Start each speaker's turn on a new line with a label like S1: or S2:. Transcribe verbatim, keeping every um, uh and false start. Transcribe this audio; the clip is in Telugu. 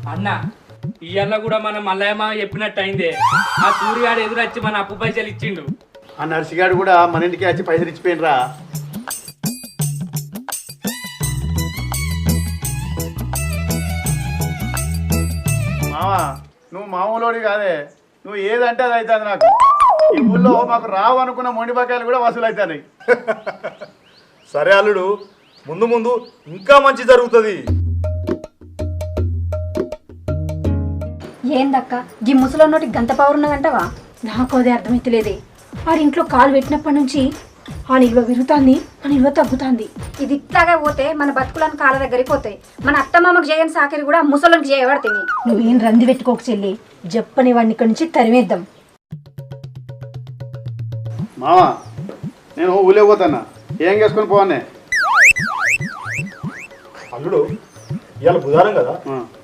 S1: అన్న ఇయ్యాల కూడా మన మల్లయ్య చెప్పినట్టు అయిందే. ఆ సూర్యగాడు ఎదురొచ్చి మన అప్పు పైసలు ఇచ్చిండు.
S2: ఆ నర్సిగాడు కూడా మన ఇంటికి వచ్చి పైసలు ఇచ్చిపోయినరా. మావా నువ్వు మామూలోడి కాదే, నువ్వు ఏదంటే అది అవుతుంది. నాకు ఈ ఊళ్ళో మాకు రావు అనుకున్న మొండి బకాయలు కూడా వసూలు అవుతాయి.
S3: సరే అల్లుడు, ముందు ముందు ఇంకా మంచి జరుగుతుంది.
S4: ఏందక్క గీ ముసలో నోటి గంత పవర్ ఉన్నదంటవా? నాకు అదే అర్థమైతలేదే. వాడి ఇంట్లో కాలు పెట్టినప్పటి నుంచి ఆ నిల్వ విరుగుతాంది, ఆ నిల్వ తగ్గుతాంది. ఇది ఇట్లాగే పోతే మన బతుకులను కాళ్ళ దగ్గరికి పోతాయి. మన అత్తమామకు చేయని సాకరి కూడా ముసలోనికి చేయబడుతుంది. నువ్వేం రంది పెట్టుకోక చెల్లి, చెప్పని వాడిని ఇక్కడి నుంచి తరిమేద్దాం.
S2: మావా నేను ఊళ్ళో పోతానా, ఏం చేసుకొని పోవానే.
S3: అల్లుడు ఇవాళ బుధవారం కదా,